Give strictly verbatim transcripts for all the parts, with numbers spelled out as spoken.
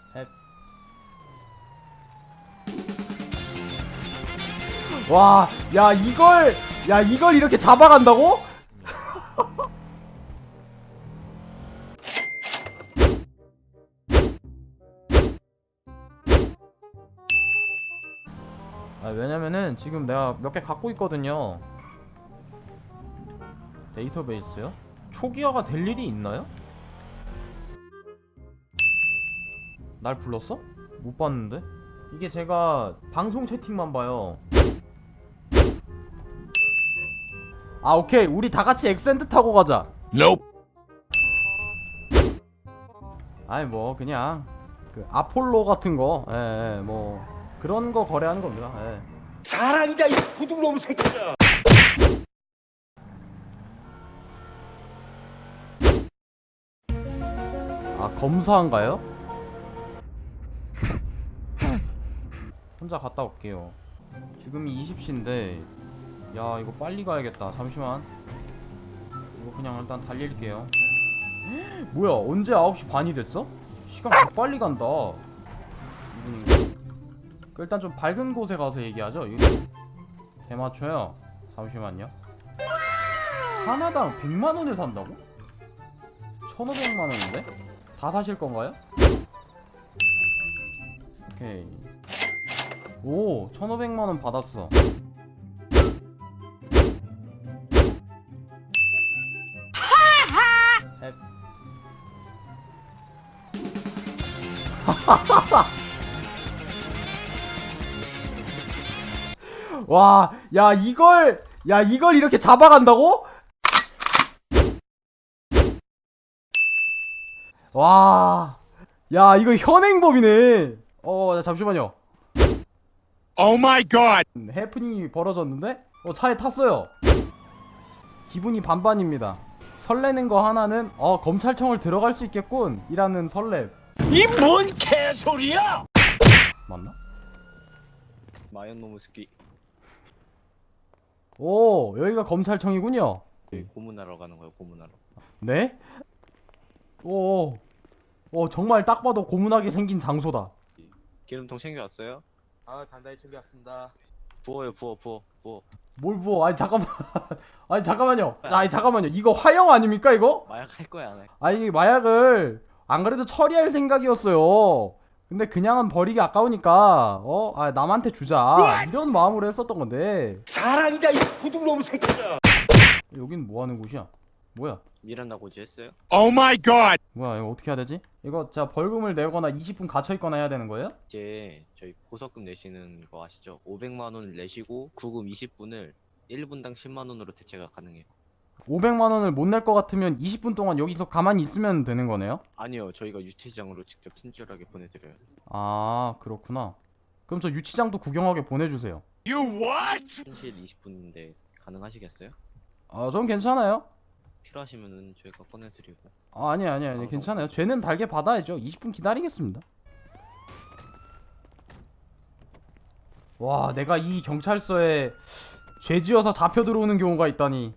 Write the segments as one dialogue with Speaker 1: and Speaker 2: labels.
Speaker 1: 헵. 와, 야 이걸, 야 이걸 이렇게 잡아간다고? 아, 왜냐면은 지금 내가 몇 개 갖고 있거든요. 데이터베이스요? 초기화가 될 일이 있나요? 날 불렀어? 못 봤는데? 이게 제가 방송 채팅만 봐요. 아, 오케이. 우리 다 같이 엑센트 타고 가자.
Speaker 2: Nope.
Speaker 1: 아니 뭐 그냥 그 아폴로 같은 거, 예, 예, 뭐 그런 거 거래하는 겁니다. 예.
Speaker 2: 자랑이다 이 도둑놈 새끼야.
Speaker 1: 아, 검사한가요? 혼자 갔다 올게요. 지금이 이십 시인데 야 이거 빨리 가야겠다. 잠시만. 이거 그냥 일단 달릴게요. 뭐야, 언제 아홉 시 반이 됐어? 시간 더 빨리 간다. 이분인가? 그 일단 좀 밝은 곳에 가서 얘기하죠. 이거 대마초요. 잠시만요. 하나당 백만 원에 산다고? 천오백만 원인데? 다 사실 건가요? 오케이. 오, 천오백만 원 받았어. 앱. 와, 야 이걸, 야 이걸 이렇게 잡아간다고? 와, 야 이거 현행법이네. 어, 잠시만요.
Speaker 2: Oh my god.
Speaker 1: 해프닝이 벌어졌는데? 어, 차에 탔어요. 기분이 반반입니다. 설레는 거 하나는 어, 검찰청을 들어갈 수 있겠군 이라는 설렘.
Speaker 2: 이 뭔 개소리야?
Speaker 1: 맞나?
Speaker 3: 마연노무스키
Speaker 1: 오, 여기가 검찰청이군요.
Speaker 3: 고문하러 가는 거예요. 고문하러.
Speaker 1: 네? 오, 오, 정말 딱 봐도 고문하게 생긴 장소다.
Speaker 3: 기름통 챙겨왔어요?
Speaker 4: 아 단단히 챙겨왔습니다.
Speaker 3: 부어요. 부어 부어 부어.
Speaker 1: 뭘 부어? 아니 잠깐만. 아니 잠깐만요. 아니 잠깐만요. 이거 화형 아닙니까 이거?
Speaker 3: 마약 할 거야 안 해?
Speaker 1: 아니 마약을 안 그래도 처리할 생각이었어요. 근데 그냥은 버리기 아까우니까 어, 아 남한테 주자 이런 마음으로 했었던 건데.
Speaker 2: 자랑이다 이 도둑놈 새끼야.
Speaker 1: 여긴 뭐 하는 곳이야? 뭐야?
Speaker 3: 미란다 고지 했어요?
Speaker 2: Oh my god.
Speaker 1: 뭐야 이거 어떻게 해야 되지? 이거 자 벌금을 내거나 이십 분 갇혀 있거나 해야 되는 거예요?
Speaker 3: 이제 저희 보석금 내시는 거 아시죠? 오백만 원을 내시고 구금 이십 분을 일 분당 십만 원으로 대체가 가능해요.
Speaker 1: 오백만 원을 못 낼 것 같으면 이십 분 동안 여기서 가만히 있으면 되는 거네요?
Speaker 3: 아니요. 저희가 유치장으로 직접 친절하게 보내드려요.
Speaker 1: 아, 그렇구나. 그럼 저 유치장도 구경하게 보내주세요.
Speaker 2: You what?
Speaker 3: 현실 이십 분인데 가능하시겠어요?
Speaker 1: 아, 전 괜찮아요.
Speaker 3: 필요하시면은 저희가 꺼내드리고.
Speaker 1: 아, 아니 아니 아니 괜찮아요. 죄는 달게 받아야죠. 이십 분 기다리겠습니다. 와, 내가 이 경찰서에 죄 지어서 잡혀 들어오는 경우가 있다니.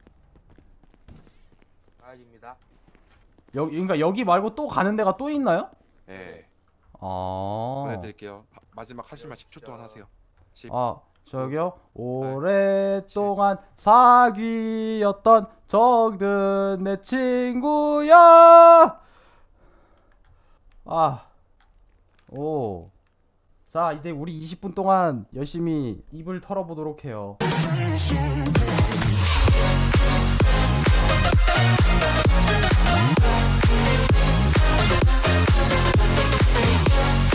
Speaker 4: 아닙니다.
Speaker 1: 여기, 그러니까 여기 말고 또 가는 데가 또 있나요?
Speaker 5: 네,
Speaker 1: 아,
Speaker 5: 보내드릴게요. 하- 마지막 하시면 십 초 동안 하세요. 십.
Speaker 1: 아 저기요. 오랫동안 사귀었던 적든 내 친구야. 아, 오. 자, 이제 우리 이십 분 동안 열심히 입을 털어보도록 해요.